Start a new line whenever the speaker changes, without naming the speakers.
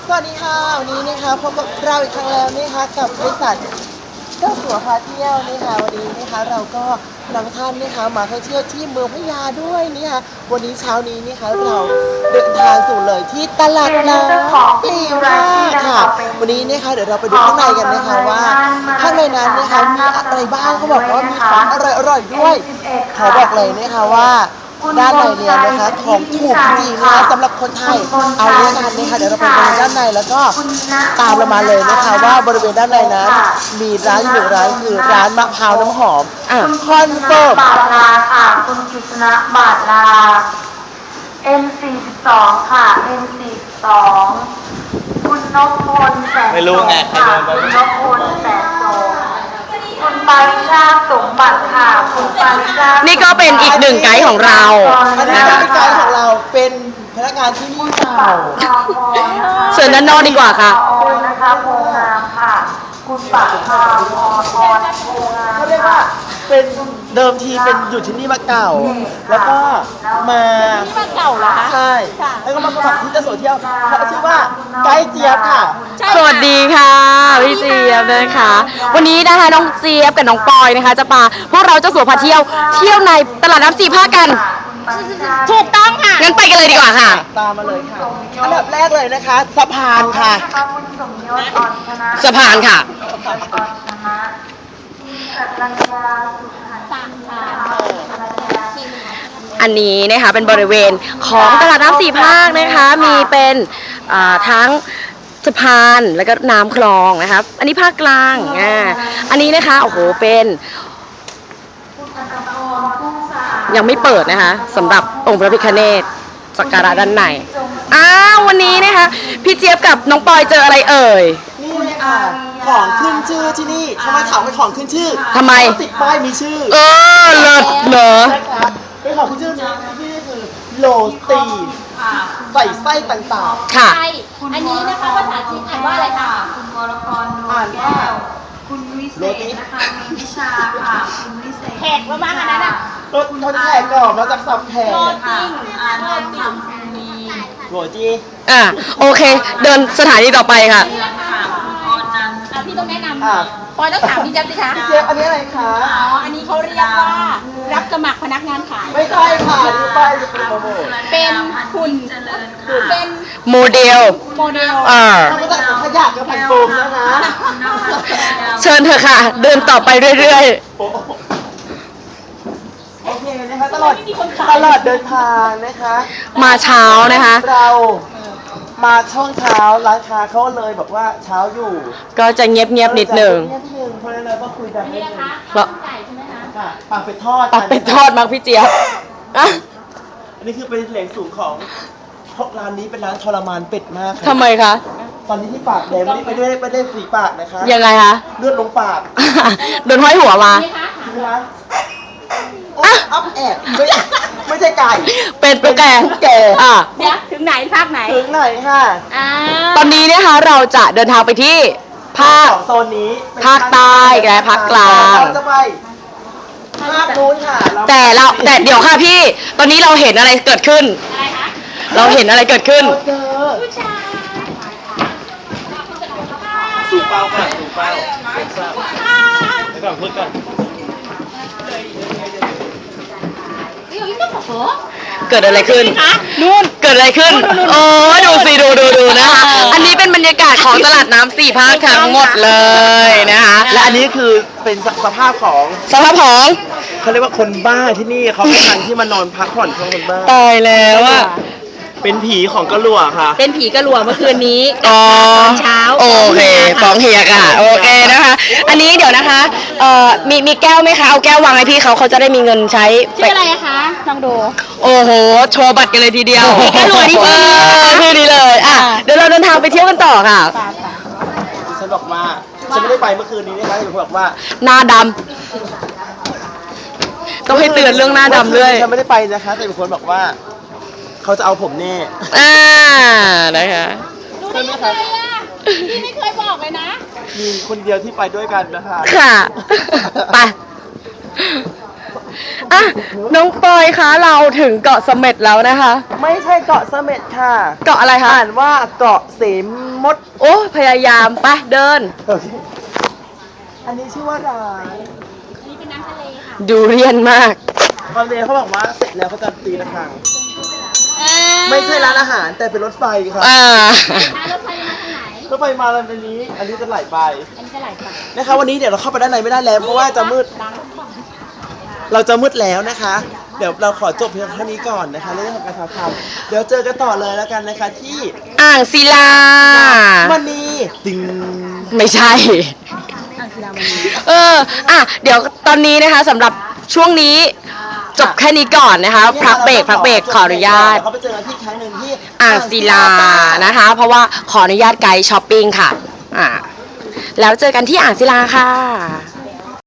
สวัสดีค่ะวันนี้นะคะพบกับเราอีกครั้งแล้วนะคะกับบริษัทเจ้าสัวพาเที่ยวนะคะวันนี้นะคะเราก็นำท่านนะคะมาท่องเที่ยวที่เมืองพะยาด้วยนะคะวันนี้เช้านี้นะคะเราเดินทางสู่เลยที่ตลาดน้ำปีราค่ะวันนี้นะคะเดี๋ยวเราไปดูข้างในกันนะคะว่าข้างในนั้นนะคะมีอะไรบ้างเขาบอกว่ามีของอร่อยๆด้วยขอบอกเลยนะคะว่าด้านในเนี่ยนะคะของถูกจริงนะคะสำหรับคนไทยเอาเรื่องกันนะคะเดี๋ยวเราไปดูด้านในแล้วก็ตามเรามาเลยนะคะว่าบริเวณด้านในนั้นมีร้านอยู่หนึ่งร้านคือร้านมะพร้าวน้ำหอมคอนเฟิร์ม
บาทลาค่ะคุณกฤษณะบาทลา M42 ค่ะ M42 คุณนพพลแสน
ไม่รู้ไงใคร
ค่ะ
เดินไป
คุณนพพลแสนโสคุณปาริชาติสมบัติค่ะคุณปาริชาติ
นี่ก็เป็นอีกหนึ่งไกด์ของเรา
อันนี้เป็นไกด์ของเราเป็นพนักงานที่นี่เก่า
เชิญด้านนอกดีกว่าค่ะ
นะคะโพงามค่ะ คุณปะพาพรโพงาม
เขาเรียกว่าเป็นเดิมทีเป็นอยู่ที่นี่มาเก่า แล้วก็มาที่มาเก่าเหรอคะใช่แล้วก็มาสมัครที่เจ้าสัวเที่ยวเขาชื่อว่าไกด์เจี๊ยบค่ะ
สวัสดีค่ะพี่เจี๊ยบนะคะ วันนี้นะคะน้องเจี๊ยบกับน้องปอยนะคะ จะพาพวกเราเจ้าสัวพาเที่ยวในตลาดน้ำสี่ภาคกัน ถูกต้องค่ะงั้นไปกันเลยดีกว่าค่ะ
ตามมาเลยค่ะอันดับแรกเลยนะคะสะพานค่ะ
คุณสมยศอ่อนชนะ
สะพานค่ะ
อ่อนชนะสัตรัญญาสุขันธ์
อันนี้นะคะเป็นบริเวณของตลาดน้ำสี่ภาคนะคะ มีเป็นทั้งสะพานแล้วก็น้ำคลองนะครับ อันนี้ภาคกลางอันนี้นะคะโอ้โหเป็นยังไม่เปิดนะคะสำหรับองค์พระพิฆเนศสักการะด้านในวันนี้นะคะพี่เจี๊ยบกับน้องปอยเจออะไรเอ่ย
นี่เลยค่ะของขึ้นชื่อที่นี่ทำไมถามเป็นของขึ้นชื่อ
ทำไม
เพราะติดป้ายมีชื่อ
เลิศเหรอ
นะคะเป็นของขึ้นชื่อที่นี่คือโรตีใส่ไส้ต่าง
ค่ะ
ใช่อันนี้นะคะภาษาจีนอ่านว่าอะไรคะ
คุณวรพร
ๆอ่านว่า
คุณวิเศษนะคะมีวิชาค่ะ คุณวิเศษ
แขกประมาณอันนั้นอ่ะ
รสทนแขกก่อนมาจากสับแขก
โรตี
อ่านนทำคุณมี
โรจี
โอเค เดินสถานีต่อไปค่ะ
ค่ะคุณออนนันท์
พี่ต้องแนะน
อ่ะ
ำปอยต้องถามพี่แจ๊บสิคะ
พี่เจฟอันนี้อะไรคะ
อ๋อ อันนี้เขาเรียกว่ารับสมัครพนักงานขาย
ไม่ใช่ค่ะนี่ป้ายจะเป็นโปรโมท
เป็นหุ่นเป็น
โมเดล
โมเดล
ทำมาจากสังขยะกับแผ่นโฟมนะคะ
เชิญเถอะค่ะ เดินต่อไปเรื่อย
โอ้โหโอเคนะคะตลอดเดินทางนะคะ
ๆ มาเช้านะคะ
เรามาช่วงเช้าร้านค้าเขาเลยบอกว่าเช้าอยู่
ก็จะเงียบๆนิดหนึ่ง
เงียบนิดนึงเพราะฉะนั้นเราก็คุยกันนิ
นี่
ด
นะ
นึง
คะ
เพราะ
ไก่ใช่ไหมคะ
ค่ะปากเป็ดทอด
ตักเป็ดทอดมั้งพี่เจี๊ยบอ่ะ
อันนี้คือเป็นเหลงสูงของร้านนี้เป็นร้านทรมานเป็ดมากค่ะ
ทำไมคะ
ตอนนี้ที่ปากแดงไม่ได้ฝีปากนะคะ
ยังไงคะ
เลือดลงปาก
โดนห้อยหัวมา
นี่คะ
ใช่ไหมคะโอ๊ยอัพแอบไม่ใช่ไก่
เป็นตุ๊กแก
แก่
เดี๋ยวถึงไหนภาคไหน
ถึงไหนค่ะ
อ่า
ตอนนี้นะคะเราจะเดินทางไปที่ภาค
สองโซนนี้เป็น
ภาคใต้และภาคกลาง
เราจะไปภาคนู้นค่ะ
แต่เดี๋ยวค่ะพี่ ตอนนี้เราเห็นอะไรเกิดขึ้น
อะไรคะ
เราเห็นอะไรเกิดขึ้น
เราเจอ
ผู้ชาย
สูบเป้าก่อนสูบเป้าไปก่อนพูดก่อน
เดี๋ยวอีกต้องบอกเหรอ
เกิดอะไรขึ้น นู่น เกิดอะไรขึ้น โอ้ดูสิดูนะคะ อันนี้เป็นบรรยากาศของตลาดน้ำสี่ภาคทั้งหมดเลยนะคะ
และอันนี้คือเป็นสภาพของ
สภาพของ
เขาเรียกว่าคนบ้าที่นี่เขาไม่ทันที่มานอนพักผ่อนของคนบ้า
ตายแล้วอะ
เป็นผีของกระหลัวค่ะ
เป็นผีกระหลวเมื่อคืนนี้
ตอนเช้า
โอเคฟ้องเฮียค่ะ โอเคนะคะ อันนี้เดี๋ยวนะคะ มีแก้วไหมคะ เอาแก้ววางให้พี่เขาจะได้มีเงินใช้
ชื่ออะไรอะคะลองดู
โอ้โห โชว์บัตรกันเลยทีเดียว
ผีกระหลวนี่ชื่อนี้นะคะ
ชื่อนี้เลย เดี๋ยวเราเดินทางไปเที่ยวกันต่อค่ะ
ฉันบอกว่าฉันไม่ได้ไปเมื่อคืนนี้นะคะฉันบอกว่า
หน้าดำต้องให้เตือนเรื่องหน้าดำด้วย
ฉันไม่ได้ไปนะคะ แต่มีคนบอกว่า เขาจะเอาผมแน่
นะคะ
ดูได้ยังไงอะพี่ไม่เคยบอกเลยนะ
มีคนเดียวที่ไปด้วยกันนะคะ
ค่ะ ไปอ่ะน้องปอยคะเราถึงเกาะเสม็ดแล้วนะคะ
ไม่ใช่เกาะเสม็ดค่ะ
เกาะอะไรคะ
อ่านว่าเกาะเสมด
โอ้พยายามไปเดิน
อันนี้ชื่อว่าร้าน
ดูเรียนมาก
ตอนเรียนเขาบอกว่าเสร็จแล้วเขาจะตีระฆังไม่ใช่ร้านอาหารแต่เป็นรถไฟครับ
อ่า
รถไฟมาแล้วอันนี้ อันนี้จะไหลไปนะคะวันนี้เดี๋ยวเราเข้าไปด้านในไม่ได้แล้วเพราะว่าจะมืด เราจะมืดแล้วนะคะ เดี๋ยวเราขอจบเพียงเท่านี้ก่อนนะคะเรื่องของการถ่ายทำเดี๋ยวเจอกันต่อเลยแล้วกันนะคะที่
อ่างศิลา
วันนี้ติง
ไม่ใช่ อ่ะ เดี๋ยวตอนนี้นะคะสำหรับช่วงนี้จบแค่นี้ก่อนนะคะ พักเบรกขออนุญาต
เขาไปเจอกันที่ครั้งหนึ่งที่
อ่างศิลานะคะ เพราะว่าขออนุญาตไกด์ช้อปปิ้งค่ะ แล้วเจอกันที่อ่างศิลาค่ะ